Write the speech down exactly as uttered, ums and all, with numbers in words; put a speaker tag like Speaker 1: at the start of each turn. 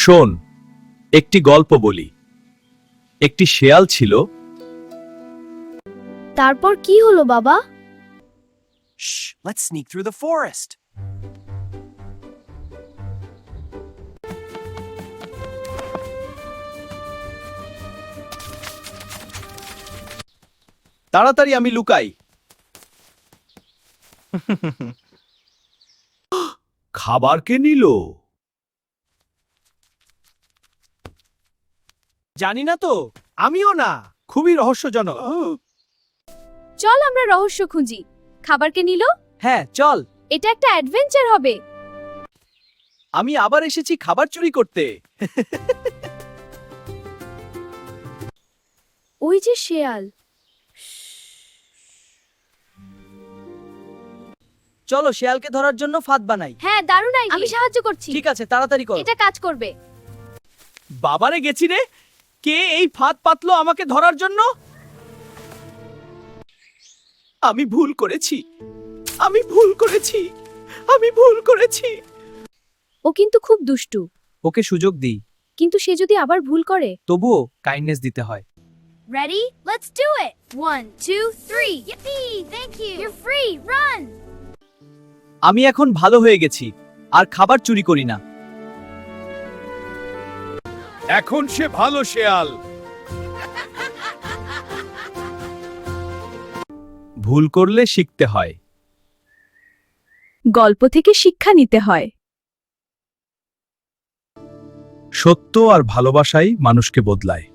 Speaker 1: শোন, একটি গল্প বলি। একটি শেয়াল ছিল।
Speaker 2: তারপর কি হলো বাবা?
Speaker 3: Shh, let's sneak through the forest.
Speaker 1: তাড়াতাড়ি আমি লুকাই। খাবার কে নিল?
Speaker 3: জানি না তো, আমিও না। খুবই রহস্যজনক।
Speaker 2: চল আমরা রহস্য খুঁজি। খাবার কে নিল?
Speaker 3: হ্যাঁ, চল।
Speaker 2: এটা একটা অ্যাডভেঞ্চার হবে।
Speaker 3: আমি আবার এসেছি খাবার চুরি করতে।
Speaker 2: ওই যে শেয়াল।
Speaker 3: চলো শেয়ালকে ধরার জন্য ফাঁদ বানাই।
Speaker 2: হ্যাঁ, দারুণ আইডিয়া। আমি সাহায্য করছি।
Speaker 3: ঠিক আছে, তাড়াতাড়ি করো।
Speaker 2: এটা কাজ করবে।
Speaker 3: বাবারে গেছি রে। কে এই ফাঁদ পাতলো আমাকে ধরার জন্য? আমি ভুল করেছি। আমি ভুল করেছি। আমি ভুল করেছি।
Speaker 2: ও কিন্তু খুব দুষ্টু।
Speaker 3: ওকে সুযোগ দিই।
Speaker 2: কিন্তু সে যদি আবার ভুল করে?
Speaker 3: তবুও কাইন্ডনেস দিতে হয়।
Speaker 2: Ready? Let's do it. One, two, three. Yippee! Thank you. You're free. Run.
Speaker 3: আমি এখন ভালো হয়ে গেছি আর খাবার চুরি করি না।
Speaker 1: এখন সে ভালো শেয়াল। ভুল করলে শিখতে হয়।
Speaker 2: গল্প থেকে শিক্ষা নিতে হয়।
Speaker 1: সত্য আর ভালোবাসাই মানুষকে বদলায়।